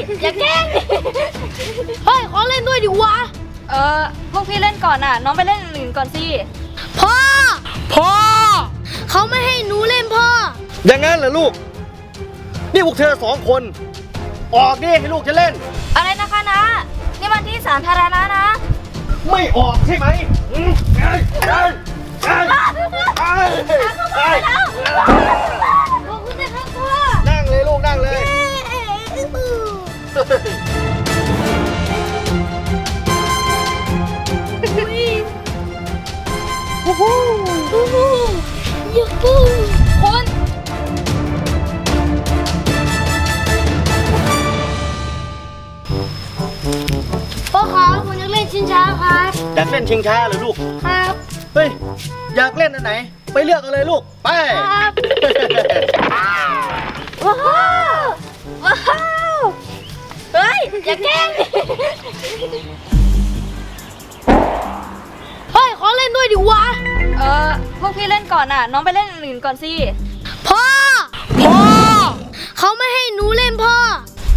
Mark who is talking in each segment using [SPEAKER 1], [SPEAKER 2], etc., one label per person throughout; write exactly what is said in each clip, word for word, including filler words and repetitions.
[SPEAKER 1] อย่าแกล้งเฮ้ยขอเล่นด้วยดิวะ
[SPEAKER 2] เออพวกพี่เล่นก่อนน่ะน้องไปเล่นอื่นก่อนสิ
[SPEAKER 1] พ่อพ่อเขาไม่ให้หนูเล่นพ่อ
[SPEAKER 3] อย่างนั้นเหรอลูกนี่พวกเธอสองคนออกดิให้ลูกจะเล่น
[SPEAKER 2] อะไรนะคะนะนี่มันที่สาธารณะนะ
[SPEAKER 3] ไม่ออกใช่ไหมอืมเอ้ยเอ้ยเอ้ยเอ้ยเอ้ย
[SPEAKER 1] ขอบคุณนะครับพ่อ
[SPEAKER 3] นั่งเลยลูกนั่งเลย
[SPEAKER 1] โอ้โหโอ้โหยูฮู
[SPEAKER 2] คุณ
[SPEAKER 1] พ่อครับผมอยากเล่นชิงช้าครับ
[SPEAKER 3] อยากเล่นชิงช้าเหรอลูก
[SPEAKER 1] ครับ
[SPEAKER 3] เฮ้ยอยากเล่นอันไหนไปเลือกเอาเลยลูกไป
[SPEAKER 1] ครับว้าวว้าว
[SPEAKER 2] เฮ้ยอย่าแกล้ง
[SPEAKER 1] เฮ้ยขอเล่นด้วยดิวะ
[SPEAKER 2] เออพวกพี่เล่นก่อนน่ะน้องไปเล่นอื่นก่อนสิ
[SPEAKER 1] พ่อพ่อเขาไม่ให้หนูเล่นพ่อ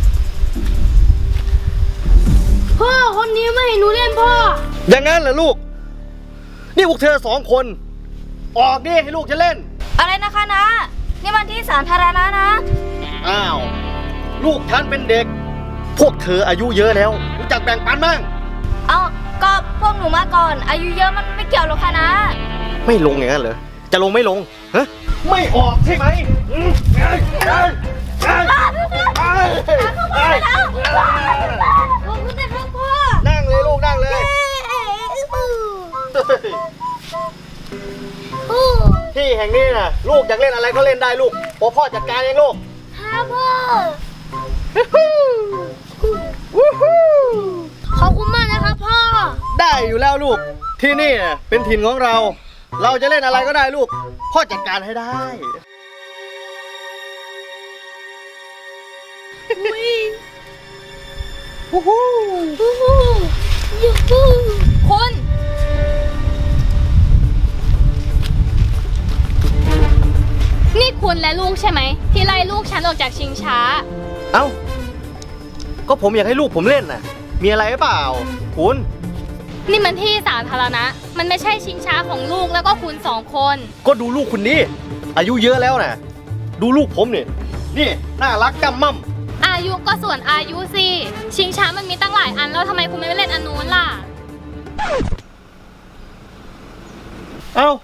[SPEAKER 1] พ่อคนนี้ไม่ให้หนูเล่นพ่อ
[SPEAKER 3] อย่างนั้นเหรอลูกนี่พวกเธอสองคนออกดิให้ลูกจะเล่น
[SPEAKER 2] อะไรนะคะนะนี่มันที่สาธารณะนะ
[SPEAKER 3] อ้าวลูกฉันเป็นเด็กพวกเธออายุเยอะแล้วรู้จักแบ่งปันบ้าง
[SPEAKER 2] เอาก็พวกหนูมาก่อนอายุเยอะมันไม่เกี่ยวหรอกค่ะนะ
[SPEAKER 3] ไม่ลงอย่างนั้นเหรอจะลงไม่ลงฮะไม่ออกใช่ไหมอืมเอ้ยเอ้ยเอ้ยเอ้ยเอ้ย
[SPEAKER 1] ขอบคุณนะครับพ่อ
[SPEAKER 3] นั่งเลยลูกนั่งเลยที่แห่งนี้นะลูกอยากเล่นอะไรก็เล่นได้ลูกพ่อพ่อจัดการเองลูก
[SPEAKER 1] ครับพ่อขอบคุณมากนะครับพ่อ
[SPEAKER 3] ได้อยู่แล้วลูกที่นี่เป็นถิ่นของเราเราจะเล่นอะไรก็ได้ลูกพ่อจัดการให้ได้
[SPEAKER 1] วู้ฮู้วู้ฮู้ยูฮู
[SPEAKER 2] คุณ
[SPEAKER 4] นี่คุณและลูกใช่ไหมที่ไล่ลูกฉันออกจากชิงช้า
[SPEAKER 3] เอ้าก็ผมอยากให้ลูกผมเล่นน่ะมีอะไรหรือเปล่าคุณ
[SPEAKER 4] นี่มันที่สาธารณะมันไม่ใช่ชิงช้าของลูกแล้วก็คุณสองคน
[SPEAKER 3] ก็ดูลูกคุณนี่อายุเยอะแล้วนะดูลูกผมนี่นี่น่ารักกำมั่ม
[SPEAKER 4] อายุก็ส่วนอายุสิชิงช้ามันมีตั้งหลายอันแล้วทำไมคุณไม่เล่นอันนู้นล่ะ
[SPEAKER 3] เอ้า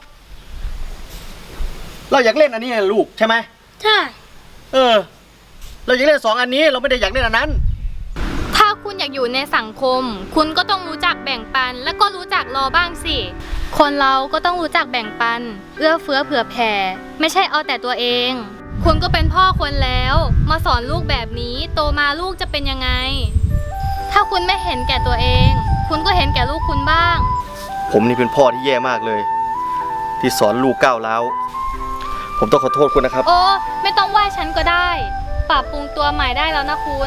[SPEAKER 3] เราอยากเล่นอันนี้ลูกใช่ไหม
[SPEAKER 1] ใช่
[SPEAKER 3] เออเราอยากเล่นสองอันนี้เราไม่ได้อยากเล่นอันนั้น
[SPEAKER 4] ถ้าคุณอยากอยู่ในสังคมคุณก็ต้องรู้จักแบ่งปันและก็รู้จักรอบ้างสิคนเราก็ต้องรู้จักแบ่งปันเอื้อเฟื้อเผื่อแผ่ไม่ใช่เอาแต่ตัวเองคุณก็เป็นพ่อคนแล้วมาสอนลูกแบบนี้โตมาลูกจะเป็นยังไงถ้าคุณไม่เห็นแก่ตัวเองคุณก็เห็นแก่ลูกคุณบ้าง
[SPEAKER 3] ผมนี่เป็นพ่อที่แย่มากเลยที่สอนลูกก้าวร้าวผมต้องขอโทษคุณนะครับ
[SPEAKER 4] โอ้ไม่ต้องไหว้ฉันก็ได้ปรับปรุงตัวใหม่ได้แล้วนะคุณ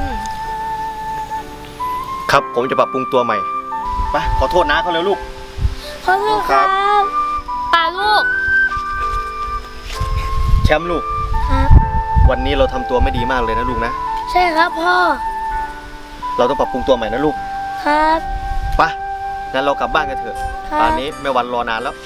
[SPEAKER 3] ครับผมจะปรับปรุงตัวใหม่ไปขอโทษนะเขาเลยลูก
[SPEAKER 1] ขอโทษครับ
[SPEAKER 4] ตาลูก
[SPEAKER 3] แชมป์ลูก
[SPEAKER 1] ครับ
[SPEAKER 3] วันนี้เราทำตัวไม่ดีมากเลยนะลูกนะ
[SPEAKER 1] ใช่ครับพ่อ
[SPEAKER 3] เราต้องปรับปรุงตัวใหม่นะลูก
[SPEAKER 1] ครับ
[SPEAKER 3] ไปงั้นเรากลับบ้านกันเถอะตอนนี้แม่วันรอนานแล้ว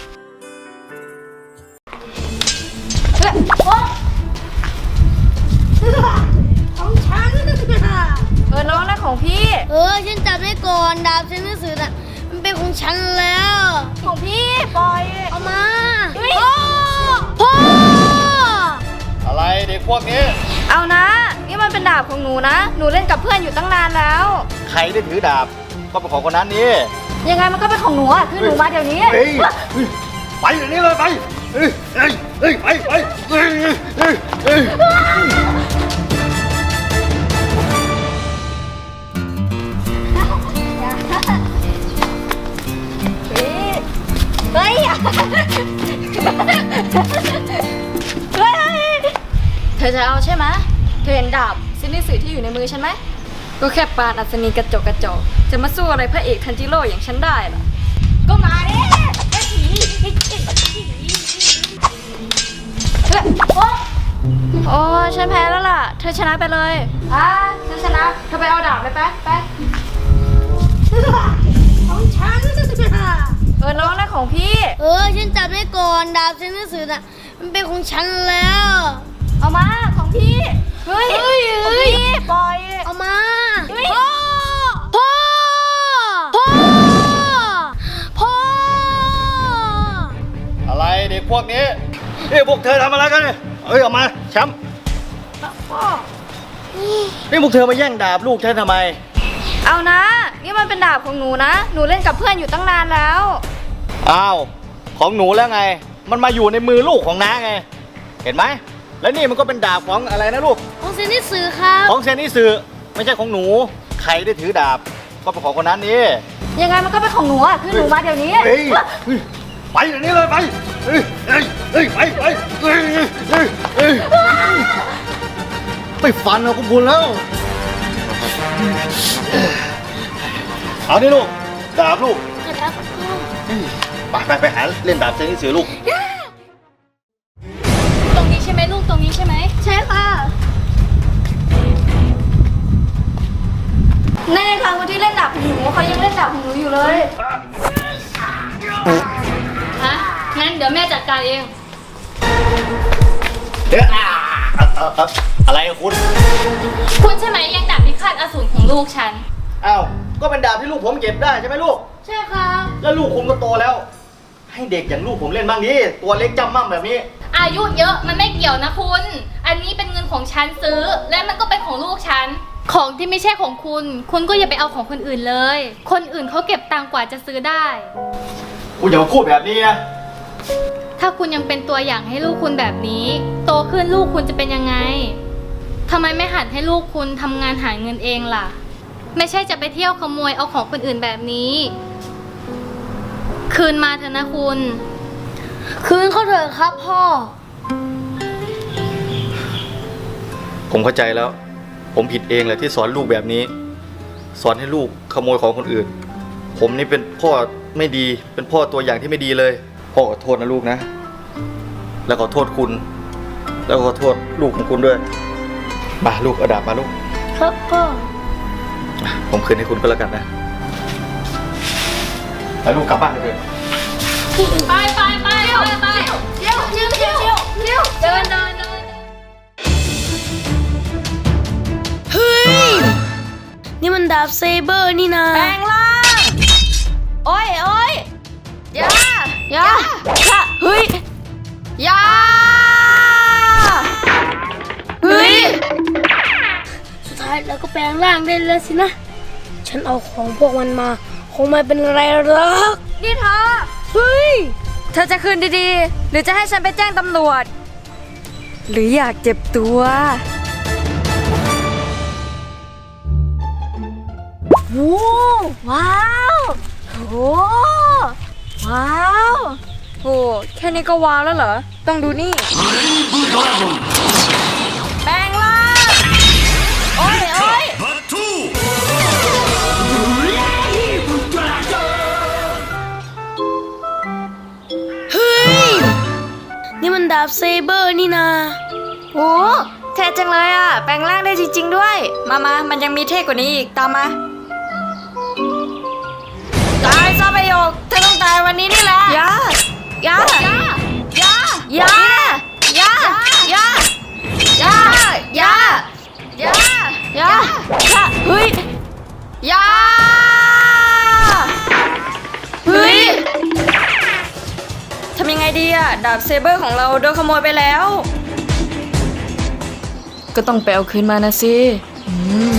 [SPEAKER 1] ของฉัน
[SPEAKER 2] เออน้องนั่นของพี่
[SPEAKER 1] เออฉันจับได้ก่อนดาบเซนสื่อน่ะมันเป็นของฉันแล้ว
[SPEAKER 2] ของพี่ปล่อย
[SPEAKER 1] เอามาพ่อพ่อ
[SPEAKER 3] อะไรเด็กพวกนี้
[SPEAKER 2] เอานะนี่มันเป็นดาบของหนูนะหนูเล่นกับเพื่อนอยู่ตั้งนานแล้ว
[SPEAKER 3] ใครได้ถือดาบก็เป็นของคนนั้นนี่
[SPEAKER 2] ยังไงมันก็เป็นของหนูอ่ะคือหนูมาเดี๋ยวนี้
[SPEAKER 3] ไปเดี๋ยวนี้เลยไปเฮ้ยเฮ้ยเฮ้ยไปไปเฮ้ยเฮ้ยเฮ้ย
[SPEAKER 2] เฮ้ยเธอจะเอาใช่ไหมเธอเห็นดาบซินิสึที่อยู่ในมือฉันไหมก็แค่ปานอัศนีกระจกกระจกจะมาสู้อะไรพระเอกทันจิโร่อย่างฉันได้ล่ะก็มาดิโอ้ฉันแพ้แล้วล่ะ เธอชนะไปเลยอ่ะฉันชนะ เธอไปเอาดาบเลยไปไปของฉันเออน้องนั่นของพี่
[SPEAKER 1] เออฉันจับได้ก่อนดาบเซนสื่อน่ะมันเป็นของฉันแล้ว
[SPEAKER 2] เอามาของพี่ เฮ้ย
[SPEAKER 1] เฮ้ย
[SPEAKER 2] ของ
[SPEAKER 1] เฮ้ย
[SPEAKER 2] พี่ปล่อย
[SPEAKER 1] เอามา
[SPEAKER 2] เฮ้ย
[SPEAKER 1] พ่อพ่อพ่อพ่อ
[SPEAKER 3] อะไรเด็กพวกนี้นี่พวกเธอทำอะไรกันเนี่ยเอ้ยออกมาแชมป์นี่พวกเธอมาแย่งดาบลูกฉันทำไม
[SPEAKER 2] เอานะ นี่มันเป็นดาบของหนูนะ หนูเล่นกับเพื่อนอยู่ตั้งนานแล้ว
[SPEAKER 3] อ้าวของหนูแล้วไง มันมาอยู่ในมือลูกของน้าไง เห็นไหมแล้วนี่มันก็เป็นดาบของอะไรนะลูก
[SPEAKER 1] ของเซนสื่อครับ
[SPEAKER 3] ของเซนนิสือไม่ใช่ของหนูใครได้ถือดาบก็เป็นของคนนั้นนี่
[SPEAKER 2] ยังไงมันก็เป็นของหนูอ่ะ คือหนูมาเดี๋ยวนี้
[SPEAKER 3] เฮ้ยเฮ้ยไปเดี๋ยวนี้เลยไปเฮ้ยเฮ้ยเฮ้ยไปไปเฮ้ยเฮ้ยเฮ้ยไม่ฟันเอาก็บุญแล้วเอาดิลูกดาบลูก
[SPEAKER 1] ครับพ่อ
[SPEAKER 3] ไปไปไปหาเล่นดาบเซนนิสือลูก
[SPEAKER 4] ตรงนี้ใช่ไหมลูกตรงนี้ใช่ไหม
[SPEAKER 2] ใช่ค่ะในครั้งวันที่เล่นดาบของหนูเขายังเล่นดาบของหนูอยู่เลย
[SPEAKER 4] ฮะ งั้นเดี๋ยวแม่จัดการเอง
[SPEAKER 3] เอ๊ะอ่าเอาเอาอะไรอะคุณ
[SPEAKER 4] คุณใช่ไหมยังดาบพิฆาตอสูรของลูกฉัน
[SPEAKER 3] อ้าวก็เป็นดาบที่ลูกผมเก็บได้ใช่ไหมลูก
[SPEAKER 1] ใช่ครับ
[SPEAKER 3] แล้วลูกคุณก็โตแล้ว ให้เด็กอย่างลูกผมเล่นบ้างดิตัวเล็กจำมั่มแบบนี้
[SPEAKER 4] อายุเยอะมันไม่เกี่ยวนะคุณ อันนี้เป็นเงินของฉันซื้อ และมันก็เป็นของลูกฉัน ของที่ไม่ใช่ของคุณ คุณก็อย่าไปเอาของคนอื่นเลย คนอื่นเขาเก็บตังค์กว่าจะซื้อได้
[SPEAKER 3] คุณอย่ามาพูดแบบนี้นะ
[SPEAKER 4] ถ้าคุณยังเป็นตัวอย่างให้ลูกคุณแบบนี้ โตขึ้นลูกคุณจะเป็นยังไงทำไมไม่หัดให้ลูกคุณทำงานหาเงินเองล่ะ ไม่ใช่จะไปเที่ยวขโมยเอาของคนอื่นแบบนี้ คืนมาเถอะนะคุณ
[SPEAKER 1] คืนเขาเถอะครับพ่อ
[SPEAKER 3] ผมเข้าใจแล้ว ผมผิดเองแหละที่สอนลูกแบบนี้ สอนให้ลูกขโมยของคนอื่น ผมนี่เป็นพ่อไม่ดี เป็นพ่อตัวอย่างที่ไม่ดีเลย พ่อขอโทษนะลูกนะ แล้วขอโทษคุณ แล้วขอโทษลูกของคุณด้วย มาลูกเอาดาบมาลูก
[SPEAKER 1] ครับพ่อ
[SPEAKER 3] อ่ะผมคืนให้คุณก็แล้วกันนะไปลูกกลับบ้านเถอะ
[SPEAKER 4] ไปไปไปไปไป
[SPEAKER 2] เที่ยวเที่ยวเที่ยวเที่ยวเที่ยวเดินเดินเดิน
[SPEAKER 1] เฮ้ย นี่มันดาบเซเบอร์นี่นะ
[SPEAKER 2] แปลงร่างโอ้ยโอ้ยอย่าอย่าอย่าเฮ้ยอย่าเฮ้ย
[SPEAKER 1] สุดท้ายเราก็แปลงร่างได้แล้วสินะ ฉันเอาของพวกมันมา คงไม่เป็นไรหรอก
[SPEAKER 2] นี่เธอ
[SPEAKER 1] เฮ้ย
[SPEAKER 2] เธอจะคืนดีๆ หรือจะให้ฉันไปแจ้งตำรวจ หรืออยากเจ็บตัวโอ้ว้าวโอ้ว้าวโอ้แค่นี้ก็ว้าวแล้วเหรอ ต้องดูนี่ แปลงร่างโอ้ยโอ้ย
[SPEAKER 1] เฮ้ย นี่มันดาบเซเบอร์นี่นะ
[SPEAKER 2] โอ้เท่จังเลยอ่ะ แปลงร่างได้จริงๆด้วย มามามันยังมีเท่กว่านี้อีก ตามมา ตายซะประโยคเธอต้องตายวันนี้นี่แหละ อย่า อย่า อย่า อย่า อย่า อย่า อย่า อย่า อย่า อย่า อย่า เฮ้ย อย่า เฮ้ย ทำยังไงดีอะดาบเซเบอร์ของเราโดนขโมยไปแล้ว ก็ต้องไปเอาคืนมานะสิอืม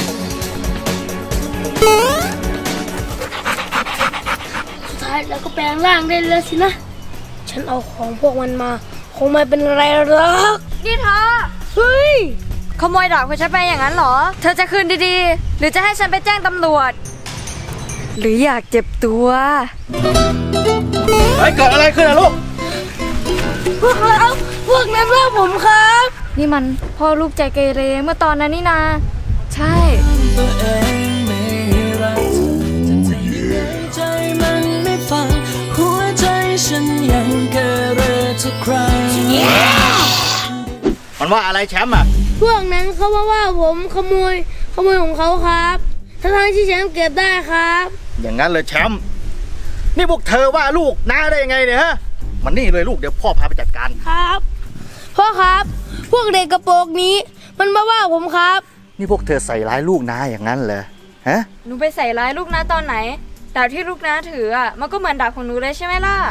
[SPEAKER 1] สุดท้ายเราก็แปลงร่างได้แล้วสินะ ฉันเอาของพวกมันมา คงไม่เป็นไรหรอก
[SPEAKER 2] นี่เธอ
[SPEAKER 1] เฮ้ย
[SPEAKER 2] ขโมยดาบของฉันไปอย่างนั้นเหรอ เธอจะคืนดีๆ หรือจะให้ฉันไปแจ้งตำรวจ หรืออยากเจ็บตัว
[SPEAKER 3] เฮ้ยเกิดอะไรขึ้นอะลูก
[SPEAKER 1] พวกเราพวกนั้นว่าผมครับ
[SPEAKER 2] นี่มันพ่อลูกใจเกเรเมื่อตอนนั้นนี่นา ใช่
[SPEAKER 5] ตัวเองไม่รักเธอจะทำยังไงใจมันไม่ฟัง หัวใจฉันยังเกเรทุกครั้ง
[SPEAKER 3] มันว่าอะไรแชมป์อ่ะ
[SPEAKER 1] พวกนั้นเขาว่าว่าผมขโมยขโมยของเขาครับทั้งๆที่แชมป์เก็บได้ครับ
[SPEAKER 3] อย่างนั้นเลยแชมป์นี่พวกเธอว่าลูกน้าได้ยังไงเนี่ยฮะมันนี่เลยลูกเดี๋ยวพ่อพาไปจัดการ
[SPEAKER 1] ครับพ่อครับ พวกเด็กกระโปรงนี้ มันมาว่าผมครับ
[SPEAKER 3] นี่พวกเธอใส่ร้ายลูกน้าอย่างนั้นเหรอฮะ
[SPEAKER 2] หนูไปใส่ร้ายลูกน้าตอนไหนดาบที่ลูกน้าถืออ่ะมันก็เหมือนดาบของหนูเลยใช่ไหมล่ะ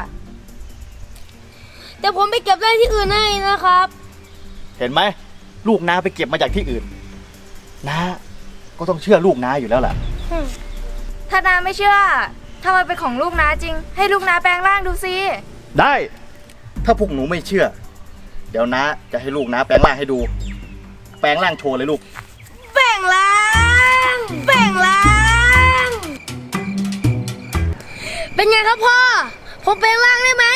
[SPEAKER 1] แต่ผมไปเก็บได้ที่อื่นให้นะครับ
[SPEAKER 3] เห็นไหมลูกน้าไปเก็บมาจากที่อื่นน้าก็ต้องเชื่อลูกน้าอยู่แล้วแหละ
[SPEAKER 2] ถ้าน้าไม่เชื่อถ้ามันเป็นของลูกน้าจริง ให้ลูกน้าแปลงร่างดูสิ
[SPEAKER 3] ได้ ถ้าพวกหนูไม่เชื่อ เดี๋ยวน้าจะให้ลูกน้าแปลงร่างให้ดู แปลงร่างโชว์เลยลูก
[SPEAKER 1] แบ่งล้างแบ่งล้างเป็นไงครับพ่อ ผมแปลงร่างได้ไหม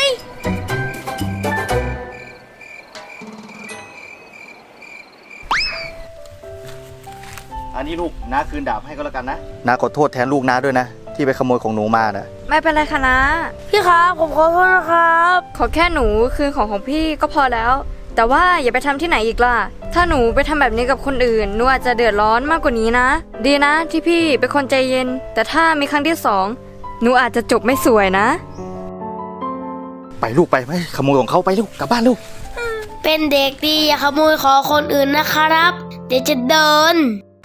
[SPEAKER 3] อันนี้ลูกน้าคืนดาบให้ก็แล้วกันนะน้าขอโทษแทนลูกน้าด้วยนะ ที่ไปขโมยของหนูมาน่ะ
[SPEAKER 2] ไม่เป็นไรค่ะนะ
[SPEAKER 1] พี่ครับผมขอโทษนะครับ
[SPEAKER 2] ขอแค่หนูคืนของของพี่ก็พอแล้ว แต่ว่าอย่าไปทำที่ไหนอีกล่ะ ถ้าหนูไปทำแบบนี้กับคนอื่นหนูอาจจะเดือดร้อนมากกว่านี้นะ ดีนะที่พี่เป็นคนใจเย็น แต่ถ้ามีครั้งที่สองหนูอาจจะจบไม่สวยนะ
[SPEAKER 3] ไปลูกไปไม่ขโมยของเขาไปลูกกลับบ้านลูก
[SPEAKER 1] เป็นเด็กดีอย่าขโมยของคนอื่นนะครับ เดี๋ยวจะเดิน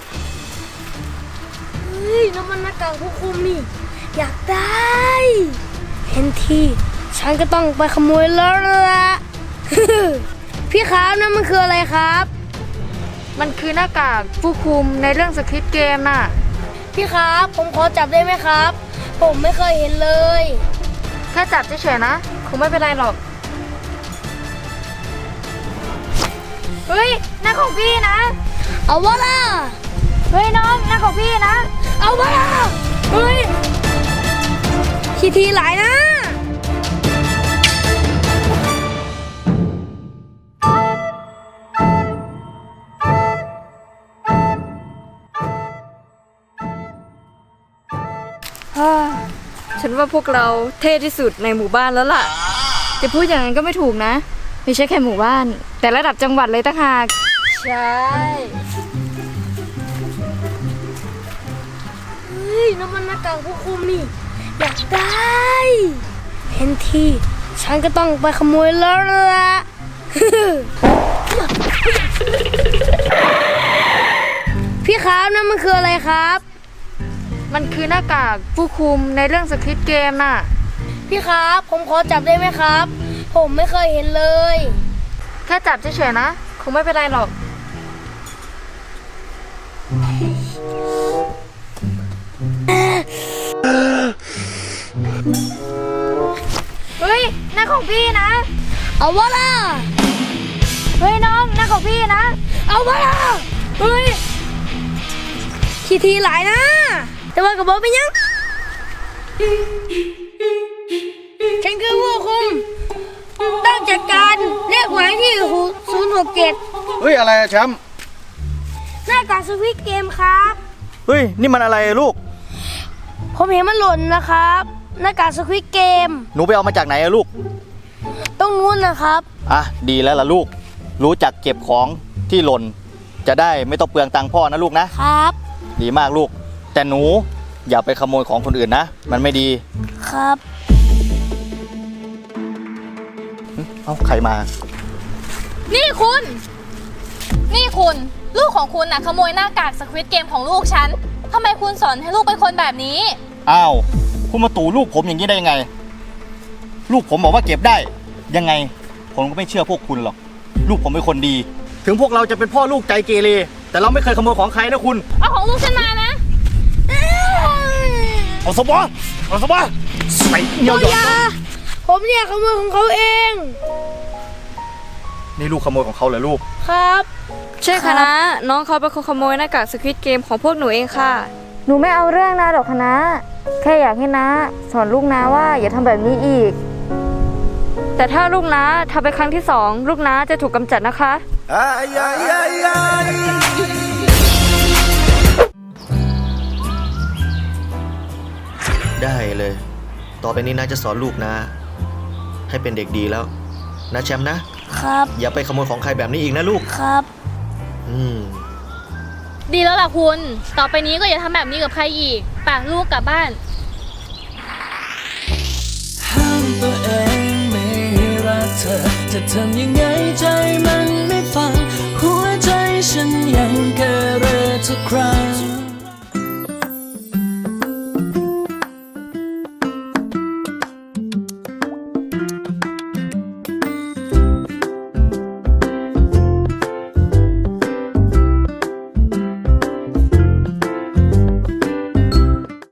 [SPEAKER 1] เฮ้ยน้ำมันหน้ากากผู้คุมนี่ อยากได้ เห็นทีฉันก็ต้องไปขโมยแล้วละ พี่ครับนั่นมันคืออะไรครับ
[SPEAKER 2] มันคือหน้ากากผู้คุมในเรื่องสคริปต์เกมน่ะ
[SPEAKER 1] พี่ครับผมขอจับได้ไหมครับ ผมไม่เคยเห็นเลย
[SPEAKER 2] แค่จับเฉยๆนะคงไม่เป็นไรหรอก เฮ้ยหน้าของพี่นะ
[SPEAKER 1] เอาวะล่ะ
[SPEAKER 2] เฮ้ยน้องหน้าของพี่นะ
[SPEAKER 1] เอาวะล่ะเฮ้ยทีทีหลายนะ
[SPEAKER 2] ฉันว่าพวกเราเท่ที่สุดในหมู่บ้านแล้วล่ะจะพูดอย่างนั้นก็ไม่ถูกนะไม่ใช่แค่หมู่บ้าน แต่ระดับจังหวัดเลยต่างหากใช่
[SPEAKER 1] เฮ้ยน้ำมันหน้ากากผู้คุมนี่ อยากได้ เห็นทีฉันก็ต้องไปขโมยแล้วละ พี่ครับนั่นมันคืออะไรครับ
[SPEAKER 2] มันคือหน้ากากผู้คุมในเรื่องสคริปต์เกมน่ะ
[SPEAKER 1] พี่ครับผมขอจับได้ไหมครับ ผมไม่เคยเห็นเลย
[SPEAKER 2] แค่จับเฉยๆนะคงไม่เป็นไรหรอก เฮ้ยหน้าของพี่นะ
[SPEAKER 1] เอาวะล่ะ
[SPEAKER 2] เฮ้ยน้องหน้าของพี่นะ
[SPEAKER 1] เอาวะล่ะเฮ้ยทีทีหลายนะ แต่ว่ากับบอกไปยัง ฉันคือผู้คุมต้องจัดการเลขหมายที่ศูนย์หกเจ็ด
[SPEAKER 3] เฮ้ยอะไรอะแชมป์
[SPEAKER 1] หน้ากากสวิตเกมครับ
[SPEAKER 3] เฮ้ยนี่มันอะไรลูก
[SPEAKER 1] ผมเห็นมันหล่นนะครับ หน้ากากสควิตเกม
[SPEAKER 3] หนูไปเอามาจากไหนอะลูก
[SPEAKER 1] ต้องนู้นนะครับ
[SPEAKER 3] อ่ะดีแล้วล่ะลูก รู้จักเก็บของที่หล่นจะได้ไม่ต้องเปลืองตังค์พ่อนะลูกนะครับ ดีมากลูก แต่หนูอย่าไปขโมยของคนอื่นนะมันไม่ดี
[SPEAKER 1] ครับ
[SPEAKER 3] เอ้าใครมา
[SPEAKER 4] นี่คุณ นี่คุณ ลูกของคุณน่ะขโมยหน้ากากสควิตเกมของลูกฉันทำไมคุณสอนให้ลูกเป็นคนแบบนี้
[SPEAKER 3] อ้าวคุณมาตู่ลูกผมอย่างนี้ได้ยังไง ลูกผมบอกว่าเก็บได้ยังไง ผมก็ไม่เชื่อพวกคุณหรอกลูกผมเป็นคนดี ถึงพวกเราจะเป็นพ่อลูกใจเกเรแต่เราไม่เคยขโมยของใครนะคุณ
[SPEAKER 4] เอาของลูกฉันมานะ
[SPEAKER 3] เอาสบอเอาสบอใส่เดียวหยอด
[SPEAKER 1] อย่าผมเนี่ยขโมยของเขาเอง
[SPEAKER 3] นี่ลูกขโมยของเขาเหรอลูก
[SPEAKER 1] ครับ
[SPEAKER 2] ใช่ค่ะนะน้องเขาเป็นคนขโมยหน้ากากสควิตเกมของพวกหนูเองค่ะ หนูไม่เอาเรื่องนะหรอกค่ะนะแค่อยากให้นะสอนลูกนะว่าอย่าทำแบบนี้อีก แต่ถ้าลูกนะทำไปครั้งที่สองลูกนะจะถูกกำจัดนะคะ
[SPEAKER 3] ได้เลย ต่อไปนี้นะจะสอนลูกนะ ให้เป็นเด็กดีแล้วนะแชมป์นะ
[SPEAKER 1] คครับ
[SPEAKER 3] อย่าไปขโมยของใครแบบนี้อีกนะลูก
[SPEAKER 1] ครับ
[SPEAKER 3] อืม
[SPEAKER 4] ดีแล้วล่ะคุณ ต่อไปนี้ก็อย่าทำแบบนี้กับใครอีกป่ะลูกกลับบ้าน
[SPEAKER 5] ห้ามตัวเองไม่ให้รักเธอ จะทำยังไงใจมันไม่ฟัง หัวใจฉันยังเกเรทุกครั้ง